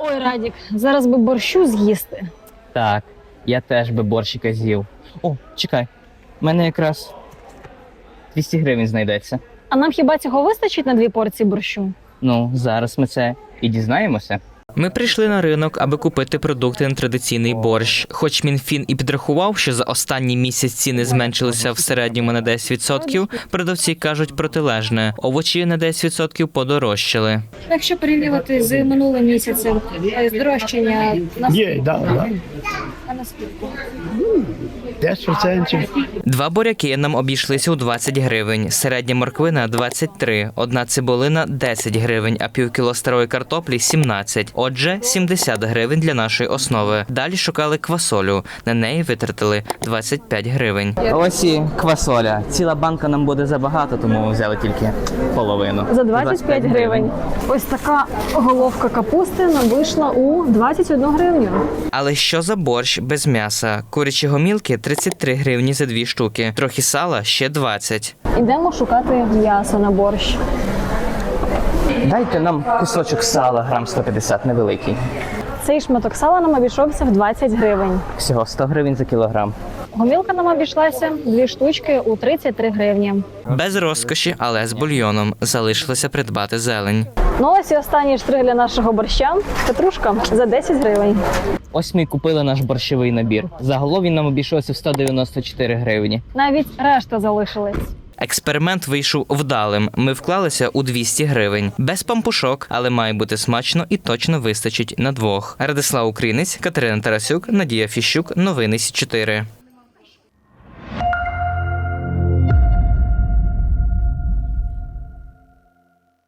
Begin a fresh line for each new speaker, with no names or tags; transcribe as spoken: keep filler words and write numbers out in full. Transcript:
Ой, Радік, зараз би борщу з'їсти.
Так, я теж би борщика з'їв. О, чекай, в мене якраз двісті гривень знайдеться.
А нам хіба цього вистачить на дві порції борщу?
Ну, зараз ми це і дізнаємося.
Ми прийшли на ринок, аби купити продукти на традиційний борщ. Хоч Мінфін і підрахував, що за останній місяць ціни зменшилися в середньому на десять відсотків, продавці кажуть протилежне. Овочі на десять відсотків подорожчали.
Якщо порівнювати з минулим місяцем, здорожчання на
Є, да, да.
а на скільки?
десять процентів.
Два буряки нам обійшлися у двадцять гривень, середня морквина – двадцять три, одна цибулина – десять гривень, а півкіло старої картоплі – сімнадцять. Отже, сімдесят гривень для нашої основи. Далі шукали квасолю. На неї витратили двадцять п'ять гривень.
Ось і квасоля. Ціла банка нам буде забагато, тому взяли тільки половину.
За двадцять п'ять гривень. Ось така головка капусти нам вийшла у двадцять одну гривню.
Але що за борщ без м'яса? Курячі гомілки – тридцять три гривні за дві штуки. Трохи сала – ще двадцять.
Ідемо шукати м'ясо на борщ.
Дайте нам кусочок сала, грам сто п'ятдесят, невеликий.
Цей шматок сала нам обійшовся в двадцять гривень.
Всього сто гривень за кілограм.
Гомілка нам обійшлася дві штучки у тридцять три гривні.
Без розкоші, але з бульйоном. Залишилося придбати зелень.
Ну ось і останній штрих для нашого борща. Петрушка за десять гривень.
Ось ми і купили наш борщовий набір. Загалом він нам обійшовся в сто дев'яносто чотири гривні.
Навіть решта залишилась.
Експеримент вийшов вдалим. Ми вклалися у двісті гривень. Без пампушок, але має бути смачно і точно вистачить на двох. Радислав Українець, Катерина Тарасюк, Надія Фіщук. Новини Сі чотири.